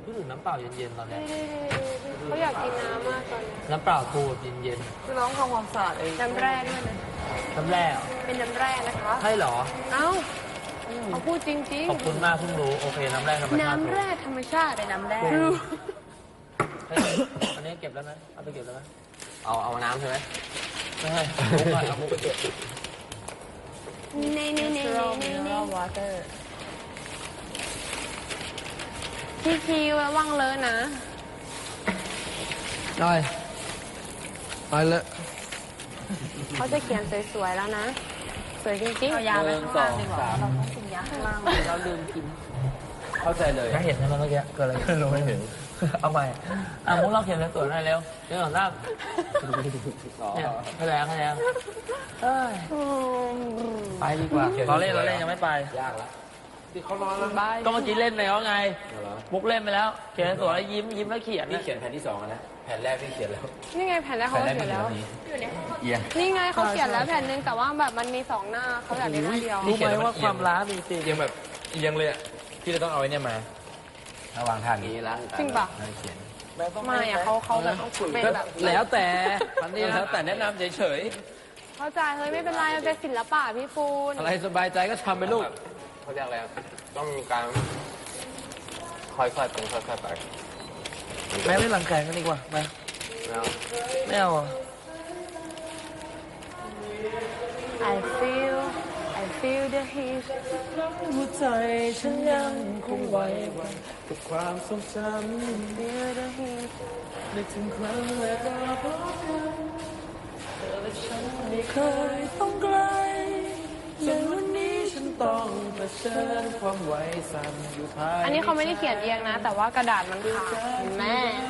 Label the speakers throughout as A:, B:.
A: พูดถึงน้ำเปล่าเย็นๆตอนนี้
B: เขาอยากกินน้ำมากตอนนี้
A: น้ำเปล่าตูดเย็น
C: คือน้องทำความสะอาดเอง
B: น้ำแร่ด้วยนะ
A: ๆน้ำแร่เหรอ
B: เป็นน้ำแร่นะคะ
A: ใช่เหรอ
B: เอ้าเขาพูดจริง
A: ขอบคุณมากเพิ่งรู้โอเคน้ำแร่ธรรม
B: ๆ
A: ชาติ
B: น้ำแร่ธรรมชาติ
C: เป็นน้ำแร่
A: เฮ้ยอันนี้เก็บแล้วไหมเอาไปเก็บแล้วไหม
D: เอาน้ำใช่ไหม
A: ไม่ให้มุกก่อนเอามุกไปเก็บ
B: เน่เน่เน่
C: natural
B: เน่
C: mineral water
B: พี่คิวระวังเลอะนะ
D: ได้ไปเลย
B: เขาจะเขียนสวยๆแล้วนะ สวยจริง
C: เอายาไปข้างล่างดีกว่าเราต้องกินยาข้างล่างเราลืมกิน
D: เข้าใจเลย
A: ถ้าเห็นใช่ไหมเมื่อกี้เกิดอะไรขึ้นเราไม่เห็น เอาใหม่มุกเราเขียนสวยๆหน่อยเร็วเดี๋ยวก่อนนะเนี่ยให้แรงเอ้ย
B: ๆ
A: ไปดีกว่าเราเล่นยังไม่ไป
D: ยากละที่เขานอนแล้ว
A: ก็เมื่อกี้เล่นไปแล้วไง มุกเล่นไปแล้ว เขียนสวยแล้วยิ้มแล้วเขียน
D: พี่เขียนแผ่นที่2นะแผ่นแรกพี่เขียนแล้ว
B: นี่ไงแผ่นแรกเขาเขียนแล้ว
D: เอียง
B: นี่ไงเขาเขียนแล้วแผ่นหนึงแต่ว่าแบบมันมี2 หน้าเขาอยากได้หน้าเดียว
A: รู้ไหมว่าความล้ามีจริง
D: เอียงแบบเอียงเลยอ่ะพี่จะต้องเอาไอ้เนี่ยมาระวางทางนี้ละ
B: จริงปะ
D: เขียน
B: ไม่อะเขาแบบเป็นแบบ
D: แล้วแต่อันนี้แล้วแต่แนะนำเฉย
B: เข้าใจเฮ้ยไม่เป็นไรมันเป็นศิลปะพี่ปูน
D: ๆอะไรสบายใจก็ทำไปลูก
E: เขาเรียกอะไรต้องมีการค่อยๆเป็นค่อยๆไป
A: แม่เล่นหลังแข่งกันดีกว่าไป
E: แล้ว
A: ไม่เอาอ่ะ
B: I feel the heat
A: หัวใจฉันยังคงไว้วันกับความทรงจ
B: feel the heat
A: ำนึกถึงครั้งแรกเราพบกันเธอและฉันไม่เคยต้องไกลจนวันนี้ฉันต้องเผชิญความไหวสั่นอยู่ภาย
B: อันนี้เขาไม่ได้เขียนเองนะ แต่ว่ากระดาษมันขาดเห็นไหม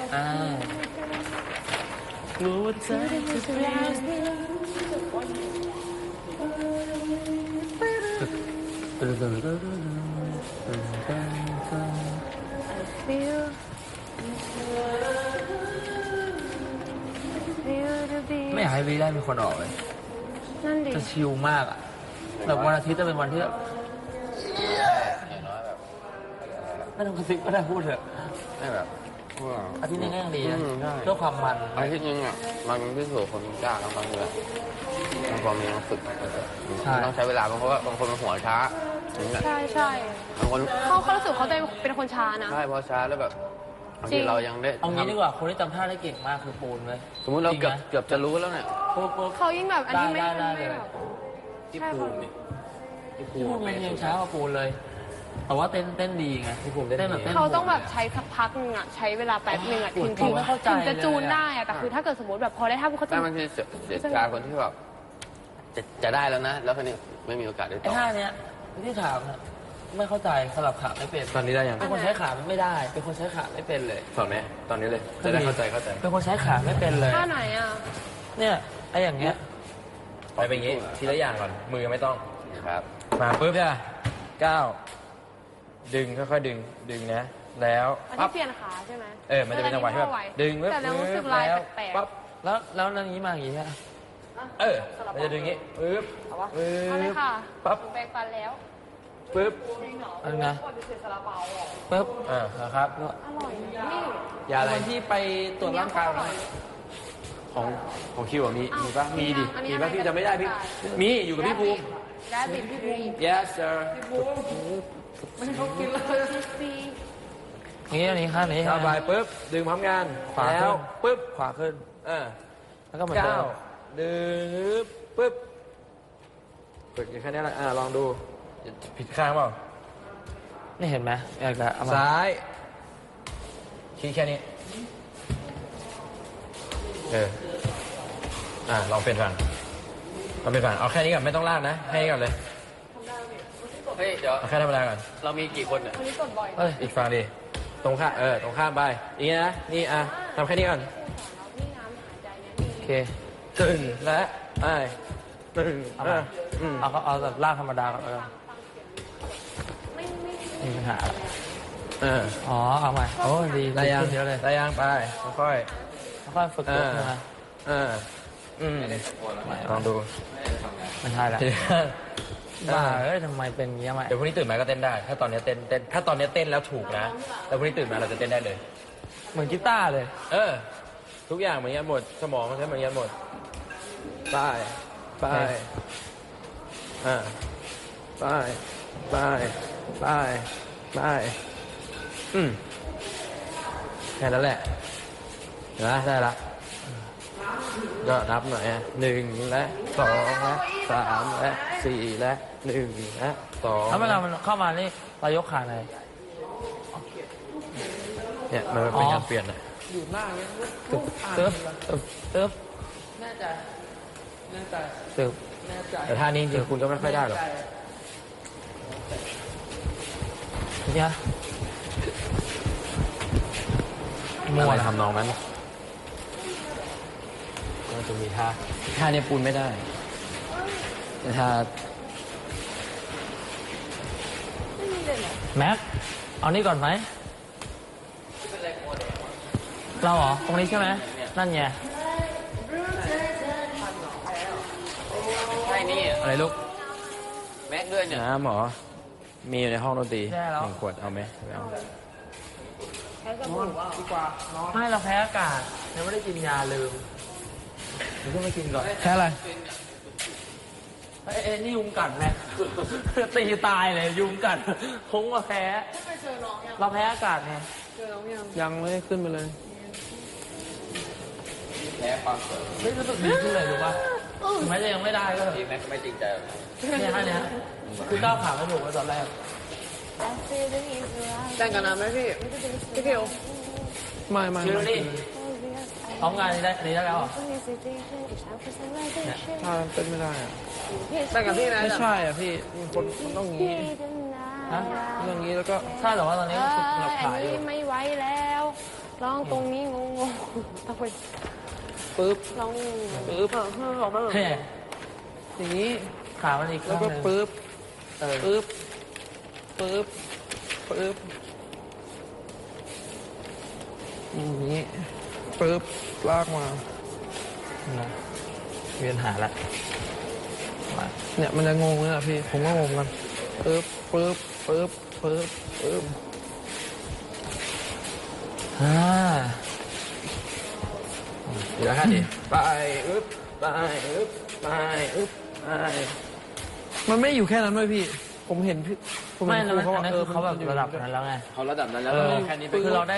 A: กลัวว่าเธอจะเปลี่ยน
B: feel the beat
A: ไม่อยากให้วีได้มีคนออกเลย
B: นั่นดิ
A: จะชิลมากอ่ะแบบวันอาทิตย์จะเป็นวันที่แบบไม่ต้องกระซิบก็ได้พูดเถอะ
E: ไม่แบบ
A: อาทิตย์นึงก็ยังดีนะ
E: ใช่
A: เพื่อความมัน
E: ไอ้ที่จริงอ่ะมันพิสูจน์คนกล้าแล้วบางเรื่องมันพอมีต้องฝึกมันต้องใช้เวลาเพราะว่าบางคนมันหัวช้าอย่างเงี้ย
B: ใช่ใช่
E: บางคน
B: เขารู้สึกเขาเป็นคนช้านะ
E: ใช่พอช้าแล้วแบบบาง
B: จริ
E: ที
B: ง
E: เรายังได้
A: เอางี้ดีกว่าคนที่จำท่าได้เก่งมากคือปูนเลย
E: สมมติเรา
A: จง
E: เกือบ
A: ไหม
E: เกือบจะรู้แล้วเนี่ย
A: ปุ๊บ
B: เขายิ่งแบบอันนี้ไม่
A: ได้
B: ไม่
A: เลย
B: แบบ
D: ที่ภูมินี่ที่ภู
A: พี่
D: มิ
A: ภูมิยังช้ากว่าปูนเลย แต่ว่าเต้นดีไง
D: ที่ภูมิได้
A: เต้นแบบเต้น
B: เขาต้องแบบใช้สักพักหนึงอ่ะใช้เวลาแป๊บหนึงอ่ะถึง
A: ผมไม่เข้าใจ
B: ถึงจะจูน
A: เลยอะ
B: ได้อ่ะแต่คือถ้าเกิดสมมติแบบพอได้ท่าเขาจะ
E: แต่บางทีเสียการคนที่แบบจะได้แล้วนะ แล้วคนนี้ไม่มีโอกาสได้
A: ไอ้
E: ต่อ
A: ท่าเนี้ยที่ถามนะไม่เข้าใจสลับขาไม่เป็น
D: ตอนนี้ได้ยัง
A: เป็นคนใช้ขาไม่ได้ เป็นคนใช้ขาไม่เป็นเลย
D: สอนไหมตอนนี้เลยจะได้เข้าใจ
A: เป็นคนใช้ขาไม่เป็นเลย
B: ท่าไหนอ่ะ
A: เนี่ยไอ้อย่างเงี้ย
D: ไปเป็นอย่างงี้ทีละอย่างก่อนมือไม่ต้อง
E: ครับ
D: มาปุ๊บจ้ะก้าวดึงค่อยๆดึงนะแล้ว
B: อัน
D: ปั๊
B: ที่
D: บ
B: เปลี่ยนขาใช่ไหม
D: มันจะเป็นจังหวะที่แบบดึง
B: แต่เรารู้สึกลายแปลกๆ
D: ปั๊บ
A: แล้วนั่งอย่างนี้มาอย่างงี้ฮะ
D: มันจะดึงอย่างงี้ปึ๊บ
B: เอาเลยค่ะ
D: ปั๊บ
B: แปรงฟันแล้ว
D: ปึ๊บ
A: อันนะปึ๊บ
D: นะครับ
B: อร่อยนี่
D: ยาอะไร
A: วันที่ไปตรวจร่างกาย
B: อร่อย
D: ของคิวอะมีปะมีดิ
B: อันนี้
D: มีปะ
B: อะไร
D: พี่จำไม่ได้พี่มีอยู่กับพี่ภูมิ
B: ได้บิดพี่ภูมิ
D: yes sir
B: ซี
A: อย่างนี้อันนี้ข้างนี้
D: สบายปุ๊บดึงพร้อมกัน
A: ขวา
D: แล้
A: ขึ้
D: วน ปุ๊บ
A: ขวาขึ้น แล้วก็เหมือนเดิ
D: ก้าม วดึงปุ๊บฝึกแค่นี้แหละลองดูผิดข้างเปล่า
A: นี่เห็นไหมอยากจะเอามา
D: ซ้ายชี้แค่นี้ลองเป็นฝั่งเอาแค่นี้ก่อนไม่ต้องลากนะแค่นี้ก่อนเลย
E: เฮ้ยเดี๋ยว
D: เอาแค่ธรรมดาก่อน
E: เรามีกี่คนเนี่ย
B: วันนี้กดบ่อย
A: เอ้ย
D: อีกฝั่งดิตรงข้ามไปอย่างนี้นะนี่ทำแค่นี้ก่อน
B: นี่น้ำหายใจเนี่ย
A: โอเค
D: ตึงและตึง
A: เอามาเอาแบบลากธรรมดาก่อนแล้วกันมีปัญหาอะไรอ๋อเอาใหม่โอ้ดี
D: ได้ยัง
A: ขึ้นเยอะเลย
D: ได้ยังไปค่อย
A: ค่อยๆฝึกตัวขึ้นมา
D: ลองดู
A: ไม่ใช่ละบ้าเอ้ยทำไมเป็นอย่างเงี้ยมา
D: เดี๋ยวพรุ่งนี้ตื่นมาก็เต้นได้ ถ้าตอนนี้เต้นถ้าตอนนี้เต้นแล้วถูกนะแล้วพรุ่งนี้ตื่นมาเราจะเต้นได้เลย
A: เหมือนกีตาร์เลย
D: เออ ทุกอย่างเหมือนกันหมด สมองมันใช้เหมือนกันหมดไปไปอ่าไปไปไปไปแค่นั้นแหละเห็นไหมได้ละก็นับหน่อยอ่ะ1และ2และ3และ4และ1และ2
A: ถ้าเวลามันเข้ามานี่เรายกขาไหน
D: เนี่ยมันเป็นการเปลี่ยนอ่ะ
A: อยู่หน้าเงี้ยตึ๊บตึ๊บ
C: แน่ใจแน่ใจ
A: ตึ๊บ
C: แน่ใจ
D: แต่ท่านี้จริงๆคุณก็ไม่ค่อยได้หรอก
A: เนี่ยมั
D: อะ
A: ว
D: ไร
A: นะ
D: ทำนองนั้นก็จะมีท่าเนี่ยปูนไม่ได้แต่ท่า
A: แม็กเอานี่ก่อนไหมเราเหรอตรงนี้ใช่ไหมนั่นไง
E: ใช่นี่
D: อะไรลูก
E: แม็กด้วยเนี่ย
D: น้ำเหรอมีอยู่ในห้องดนตรี
A: ได้แล้ว
D: 1 ขวดเอาไหมไม่เอา
C: ดีกว่าน้อง
A: ไม่เราแพ้อากาศยังไม่ได้กินยาลืมเดี๋ยวขึ้นมากินก่อนแพ้อะไรเอ้ยนี่ยุงกัดไหม ตีตายเลยยุงกัดคงมาแพ้เราแพ้อากาศไง
C: ยังไม่ได้ขึ้นไปเลย
E: แพ้ความสวย
A: ไม่รู้สึกดีขึ้นเลยหรือปะถึงแม้จะยังไม่ได้ก็เถอะ
E: ที่แม็กไม่จริงใจหรอก
A: เนี่ยฮะเนี่ยคือก้าวขาไม่ถูกไปตอนแรก
C: แต่งกันนะไหมพี่พี่พิวไม่
A: ชิลลี่พร้อมงานนี้ได้แล้วเหรอ
C: ถ้าเป็นไม่ได้อะแต่งกับพี่ไหมไม่ใช่อ่ะพี่คนต้องงี้
A: ฮะ
C: ต้องงี้แล้วก็
A: ใช่แต่ว่าตอนนี้ก็คือหลับขาอยู่
B: ไม่ไหวแล้วลองตรงนี้งงๆต้องไป
C: ปึ๊บ
B: ลอง
C: ปึ๊บ
A: เฮ้ย
C: อย่างนี้
A: ขามันอีก
C: แล้วก็
A: ข้างหนึ่ง
C: ปึ๊บ
A: เออ
C: ปึ๊บปึ๊บปึ๊บอย่างนี้ปึ๊บลากมา
A: นะเวียนหาละมา
C: เนี่ยมันจะงงเลยอ่ะพี่ผมก็งงกันปึ๊บปึ๊บปึ๊บปึ๊บปึ๊บ
A: อ่า
D: เดี๋ยวท่าดิไปอึ๊บไปอึ๊บไปอึ๊บไป
C: มันไม่อยู่แค่นั้นด้วยพี่ ผมเห็นพี่ผม
A: ไม่
C: เห็น
A: แล้ว
C: ครู
A: อันนั้นคือเขาแบบ
C: มันอยู่
A: ระดับนั้นแล้วไง
E: เขาระดับนั้นแล้ว
A: เออ
E: แค่นี้
A: คือเราได้